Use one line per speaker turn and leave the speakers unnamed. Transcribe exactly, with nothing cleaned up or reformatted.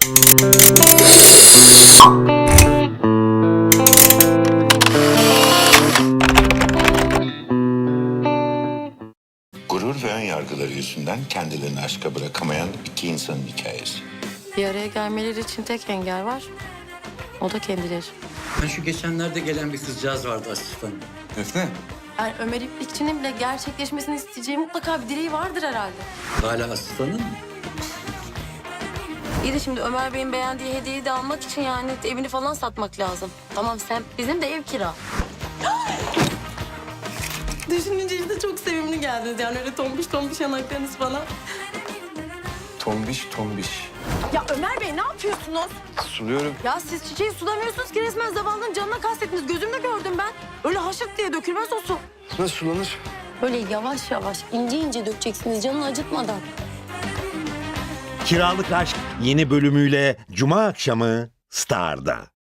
Gurur ve ön yargıları yüzünden kendilerini aşka bırakamayan iki insanın hikayesi.
Bir araya gelmeleri için tek engel var. O da kendileri.
Ben şu geçenlerde gelen bir kızcağız vardı asistanım.
Defne.
Yani Ömer İplikçi'nin bile gerçekleşmesini isteyeceği mutlaka bir dileği vardır herhalde.
Hala asistanın mı?
İyi de şimdi Ömer Bey'in beğendiği hediyeyi de almak için yani evini falan satmak lazım. Tamam sen bizim de ev kira. Düşününce işte çok sevimli geldiniz yani öyle tombiş tombiş yanaklarınız falan.
Tombiş tombiş.
Ya Ömer Bey ne yapıyorsunuz?
Suluyorum.
Ya siz çiçeği sulamıyorsunuz ki resmen zavallının canına kastettiniz. Gözümle gördüm ben. Öyle haşırt diye dökülmez o su.
Nasıl sulanır?
Böyle yavaş yavaş ince ince dökeceksiniz canını acıtmadan.
Kiralık Aşk yeni bölümüyle Cuma akşamı Star'da.